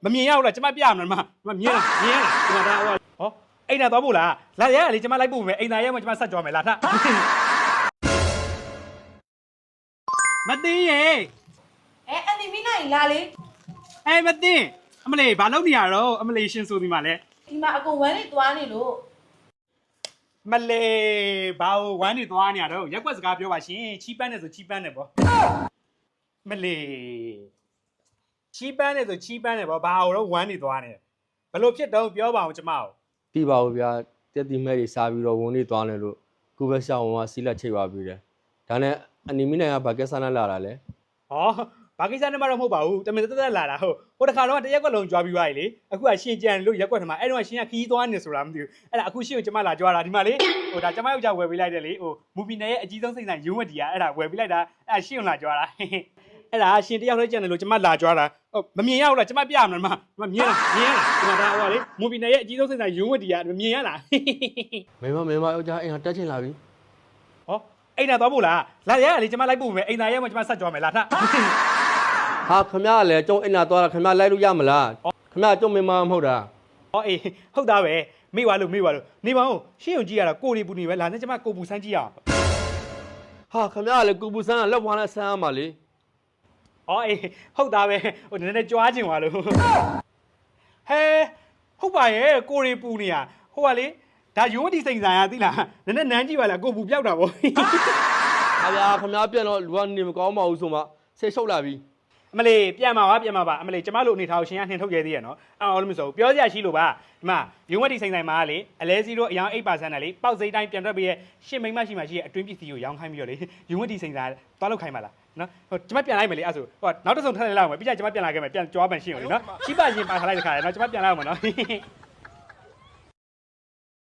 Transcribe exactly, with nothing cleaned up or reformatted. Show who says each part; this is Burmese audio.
Speaker 1: မမြင်ရဘူးလားကျမပြရမလားမမမြင်လားမြင်ရလားဒီမှာဒါဟောဟောအိမ်သာသွားဖို့လားလာရရလေကျမလိုက်ဖို့မယ်အိမ်သာရဲမှကျမဆက်ကြွားမယ်လာထမသိရေ
Speaker 2: အဲအန်တီမီနိုင်လာလေ
Speaker 1: အဲမသိအမလေးဘာလုပ်နေရတော့အမလေးရှင်ဆိုဒီမှာလဲ
Speaker 2: ဒီမှာအကုန်ဝမ်းနေသွားနေလို့
Speaker 1: မလေးဘာဝမ်းနေသွားနေရတော့ရက်ွက်စကားပြောပါရှင်ချီးပန်းနေဆိုချီးပန်းနေပေါ့မလေးချီးပန်းနေဆိုချီးပန်းနေပေါ့ဘာတော့ဝမ်းနေသွားနေဘလို့ဖြစ်တော့ပြောပါအောင်ကျမကို
Speaker 3: တိပါဘူးဗျာတက်တိမဲ့တွေစားပြီးတော့ဝန်းနေသွားတယ်လို့ခုပဲရှောင်းဝင်ကစီးလက်ချိတ်ပါပြီးတယ်ဒါနဲ့အနီမီနိုင်ကဘာကက်ဆာနဲ့လာတာလဲ
Speaker 1: ဟောဘာကိစ္စနဲ့မှတော့မဟုတ်ပါဘူးတမင်တက်တက်လာတာဟုတ်ဟိုတခါတော့တရက်ကွက်လုံးကြွားပြီးသွားပြီလေအခုကရှင်ကြံလို့ရက်ကွက်ထမှာအဲ့တော့ရှင်ကခီးသွားနေဆိုတာမသိဘူးအဲ့ဒါအခုရှင်ကိုကျမလာကြွားတာဒီမှာလေဟိုဒါကျမယောက်ျားဝယ်ပေးလိုက်တယ်လေဟိုမူပီနယ်ရဲ့အကြီးဆုံးစိတ်ဆိုင်ရုံးဝက်တီကအဲ့ဒါဝယ်ပေးလိုက်တာအဲ့ဒါရှင်ကိုလာကြွားတာအဲ့ဒါရှင်တယောက်လေးကြံတယ်လို့ကျမလာကြွားတာဟုတ်မမြင်ရဘူးလားကျမပြရမလားမမမြင်လားမြင်ရလားဒီမှာဒါဟိုလေမူပီနယ်ရဲ့အကြီးဆုံးစိတ်ဆိုင်ရုံးဝက်တီကမမြင်ရလား
Speaker 3: မင်းမမင်းမယောက်ျားအိမ်ဟာတက်ချင်လာပြီ
Speaker 1: ဟောအိမ်သာသွားဖို့လားလာရရလေကျမလိုက်ဖို့မယ်အိမ်သာရဲမှကျမဆက်ကြွားမယ်လာထ
Speaker 3: ဟာခမရလည်းကျုံအိမ်လာသွားတာခမရလိုက်လို့ရမလားခမရကျုံမင်းမမဟုတ်တာ
Speaker 1: ဟောအေးဟုတ်သားပဲမိသွားလို့မိသွားလို့နေပါဦးရှင်းုံကြည့်ရတာကိုရီပူနေပဲလာနဲ့ကျမကိုပူစမ်းကြည့်ရအောင်
Speaker 3: ဟာခမရလည်းကူပူဆန်းကလက်ဝါးနဲ့ဆန်းရမှာလေ
Speaker 1: ဟောအေးဟုတ်သားပဲဟိုနည်းနည်းကြွားကျင်သွားလို့ဟဲဟုတ်ပါရဲ့ကိုရီပူနေရဟိုကလေဒါရုံးဝတီစိန်ဆိုင်ရသိလားနည်းနည်းနန်းကြည့်ပါလားကိုပူပြောက်တာဗော
Speaker 3: ဟာဗျာခမရပြန်တော့လူကနေမကောင်းပါဘူးဆိုမှဆေးရှုပ်လာပြီ
Speaker 1: အမလေးပြန်มาပါပြန်มาပါအမလေးကျမတို့အနေထားကိုရှင်ကနှင်ထုတ်ရဲသေးရနော်အော်လို့မဆိုပြောစရာရှိလို့ပါဒီမှာရုံးဝတီစိန်ဆိုင်မှာလေအလဲစီတို့အယောင်eight percent နဲ့လေပေါက်စိမ့်တိုင်းပြန်ထွက်ပြီးရဲ့ရှင်းမိမရှိမှရှိရဲ့အတွင်းပစ္စည်းကိုရောင်းခိုင်းပြီးတော့လေရုံးဝတီစိန်ဆိုင်သွားလောက်ခိုင်းပါလားနော်ဟိုကျမပြန်လိုက်မယ်လေအဲ့ဆိုဟိုနောက်တစ်စုံထပ်လိုက်လောက်မယ်ပြီးကြကျမပြန်လာခဲ့မယ်ပြန်ကြွားပန်ရှင်းအောင်လေနော်ချိပရင်ပါထားလိုက်တခါလေနော်ကျမပြန်လာအောင်မယ်နော်